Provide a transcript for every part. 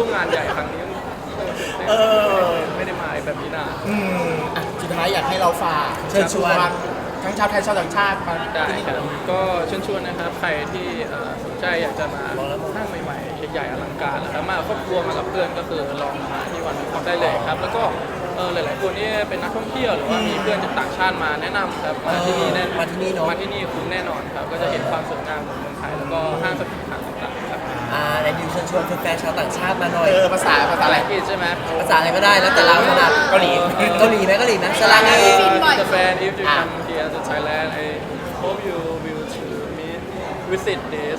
ร่วมงานใหญ่ครั้งนี้ไม่ได้มาแบบนี้นะสุดท้ายอยากให้เราฝากเชิญชวนทั้งชาวไทยชาวต่างชาติมาได้ที่นี่ครับก็เชิญชวนนะครับใครที่สนใจอยากจะมาห้างใหม่ๆใหญ่ๆอลังการแล้วมาครอบครัวมากับเพื่อนก็คือลองมาที่วันนี้ได้เลยครับแล้วก็หลายๆคนที่เป็นนักท่องเที่ยวหรือว่ามีเพื่อนจากต่างชาติมาแนะนำครับมาที่นี่แน่มาที่นี่คุ้มแน่นอนครับก็จะเห็นความสวยงามของเมืองไทยแล้วก็ห้างสรรพสินค้าต่างๆครับในดิวเชิญชวนแฟนๆชาวต่างชาติมาหน่อยภาษาอะไรอังกฤษใช่ไหมภาษาอะไรก็ได้แล้วแต่เราถนัดเกาหลีเกาหลีไหมสลาเง Japan if you come here to Thailand I hope you will to visit this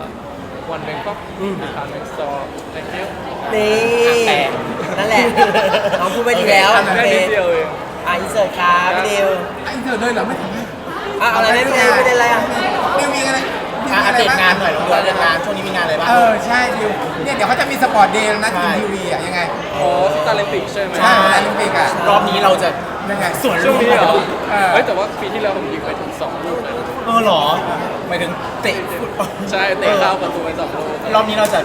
one Bangkok department store thank you นี่นั่นแหละน้องพูดไปดีแล้วแค่นิดเดียวเองอินเสิร์ตครับพี่ดิวไอ้เธอเลยเหรอไม่ทำให้อะไรไม่เป็นไรไม่เป็นไรมีอะไรอัปเดตงานหน่อยอัปเดตงานช่วงนี้มีงานอะไรบ้างใช่ดิวเนี่ยเดี๋ยวเขาจะมีสปอร์ตเดย์นะทีมทีวีอ่ะยังไงที่ตาลิมปิกใช่ไหมใช่ตาลิมปิกอ่ะรอบนี้เราจะยังไงส่วนช่วงนี้เหรอเฮ้ยแต่ว่าปีที่แล้วผมยิงไปถึง2 ลูกเลยหรอหมายถึงเตะใช่เตะเข้าประตูไป2 ลูกรอบนี้เราจะ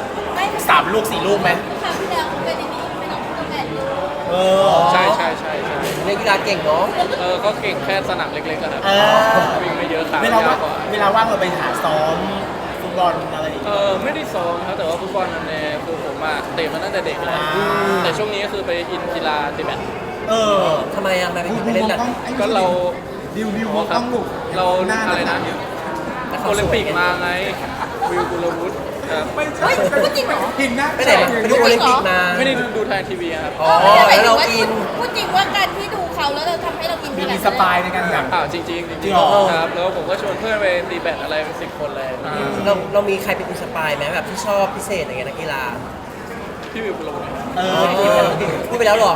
3 ลูก 4 ลูกไหมครั้งที่แล้วเป็นในนี้เป็นของตัวแมนยูใช่เล่นกีฬาเก่งเนาะก็เก่งแค่สนามเล็กๆครับวิ่งไม่เยอะขาาเวยลายกว่าเวลาว่างเราไปหาซ้อมฟุตบอลอะไรอย่างเงี้ยไม่ได้ซ้อมครับแต่ว่าฟุตบอลนั่นเองคือผมเตะมาตั้งแต่เด็กแล้วแต่ช่วงนี้ก็คือไปอินกีฬาตีแบดทำไมไม่ไปเล่นแบบก็เราวิวครับต้องลูกเราอะไรนะโอลิมปิกมาไงวิวกุลวุฒิครับเฮ้ยพูดจริงเหรอหินนะไปไหนมาไปดูโอลิมปิกมาไม่ได้ดูทางทีวีครับแล้วเราอินพูดจริงว่าการที่ดูเขาแล้วเราทำให้เราอินขนาดมีนั้นสปายในการแบบจริงจริงเหรอครับแล้วผมก็ชวนเพื่อนไปตีแบดอะไรเป็น10 คนเลยเรามีใครเป็นอินสปายไหมแบบที่ชอบพิเศษอะไรเงี้ยนักกีฬาพี่วิวกุลวุฒิพูดไปแล้วหรอ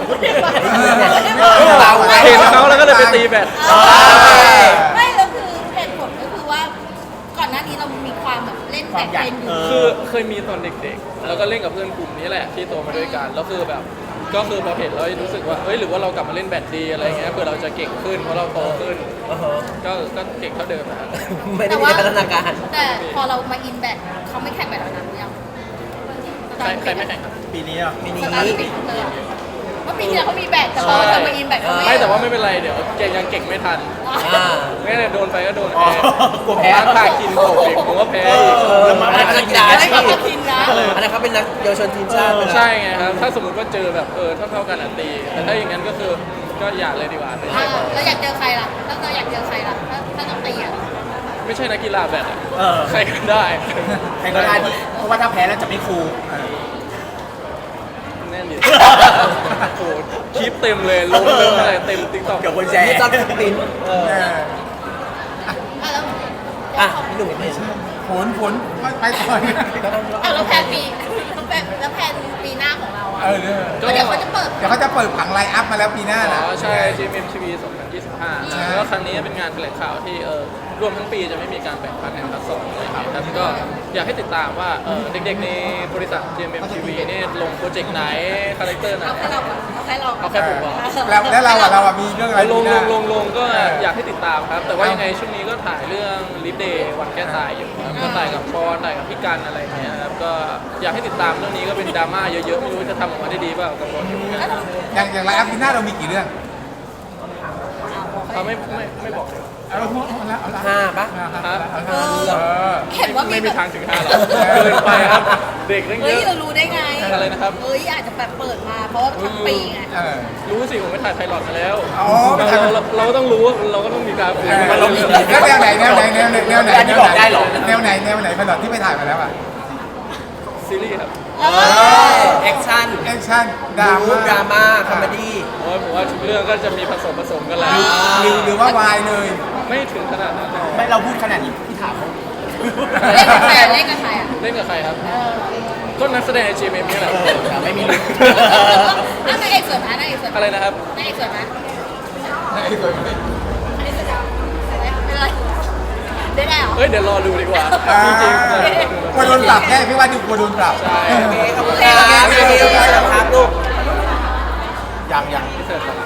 เห็นเขาแล้วก็เลยไปตีแบดไม่แล้วคือเหตุผลก็คือว่าก่อนหน้านี้เรามีความแบบเล่นแต่เป็นอยู่คือเคยมีตอนเด็กๆ แล้วก็เล่นกับเพื่อนกลุ่มนี้แหละที่โตมาด้วยกันแล้วคือแบบก็คือพอเห็นแล้วรู้สึกว่าเฮ้ยหรือว่าเรากลับมาเล่นแบดดีอะไรเงี้ยเพื่อเราจะเก่งขึ้นเพราะเราโตขึ้นก็เก่งเท่าเดิมนะครับไม่ได้มีพัฒนาการแต่พอเรามาอินแบดเขาไม่แข่งแบดแล้วนะยังใครไม่แข่งครับปีนี้อ่ะปีนี้สตาร์ทติดเลยเมื่อปีที่แล้วเขามีแบดแต่พอเรามาอินแบดเขาไม่แต่ว่าไม่เป็นไรเดี๋ยวยังเก่งไม่ทันไม่ได้โดนไปก็โดนกลัวแพ้พากินโกเองผมก็แพ้อีกแล้วมาเป็นนักกีฬาไม่ใช่มากินนะอันนั้นเขาเป็นนักเยาวชนทีมชาติใช่ไงครับถ้าสมมติว่าเจอแบบเท่ากันตีแต่ถ้าอย่างนั้นก็คือก็อย่าเลยดีกว่าแล้วอยากเจอใครล่ะถ้าเราอยากเจอใครล่ะถ้าต้องตีอ่ะไม่ใช่นักกีฬาแบดใครก็ได้ใครก็ได้เพราะว่าถ้าแพ้แล้วจะไม่คูลแน่นดิโอ้คลิปเต็มเลยลงอะไรเต็มติ๊กต็อกเกี่ยวกับแชร์นี่ชอบสปินแล้วพี่หนุ่มไม่ใช่ผลไปต่อยแล้วแพนปีหน้าของเราอ่ะเดี๋ยวเขาจะเปิดผังไลน์อัพมาแล้วปีหน้านะใช่ GMMTV 2025แล้วครั้งนี้เป็นงานแถลงข่าวที่รวมทั้งปีจะไม่มีการแบ่งพาร์ทแอนด์พาร์ท2เลยครับก็อยากให้ติดตามว่าเด็กๆในบริษัท GMMTV นี่ลงโปรเจกต์ไหนคาแรคเตอร์ไหน เอาแค่ผมบอกแล้วเรามีเรื่องอะไรลงก็อยากให้ติดตามครับ แต่ว่ายังไงช่วงนี้ก็ถ่ายเรื่องลิฟเดย์วันแก้ตายอยู่ครับก็ถ่ายกับปอนถ่ายกับพี่กันอะไรเงี้ยครับก็อยากให้ติดตามเรื่องนี้ก็เป็นดราม่าเยอะๆไม่รู้จะทำออกมาได้ดีเปล่ากับปอนอยู่เหมือนกันอย่างไลน์อัพปีหน้าเรามีกี่เรื่องไม่บอกเลยเอาละ 5 ปะเห็นว่ามีไม่แบมีบทางถึง5หรอกเกินไปครับ เด็กตั้งเยเฮ้ยอะเรารู้ได้ไงอะไรนะครับเฮ้ยอาจจะแบบเปิดมาเพราะว่าทั้งปีไงรู้สิผมไปถ่ายไพลอตมาแล้วอ๋อเราก็ต้องรู้เราก็ต้องมีการฝึกแล้วแนวไหนที่บอกได้หรอแนวไหนผลอดที่ไปถ่ายมาแล้วอ่ะซีรีส์ครับแอคชั่นดราม่าคอมเมดี้ผมว่าทุกเรื่องก็จะมีผสมกันแล้วหรือว่าวายเลยไม่ถึงขนาดนั้นหรอกไม่เราพูดขนาดนี้พี่ถามเล่นกับใครอ่ะเล่นกับใครครับก็นักแสดงใน GMM นี่แหละไม่มีนางเอกสวยไหมนางเอกสวยไหมอะไรนะครับนางเอกสวยไหมไอ้ตัวนี้อันนี้สวยจังเป็นไรได้แล้วเฮ้ยเดี๋ยวรอดูดีกว่าจริงๆกลัวโดนปรับแค่พี่ว่าดูกลัวโดนปรับใช่ขอบคุณครับพี่ดิวครับลูกยังที่เสิร์ฟ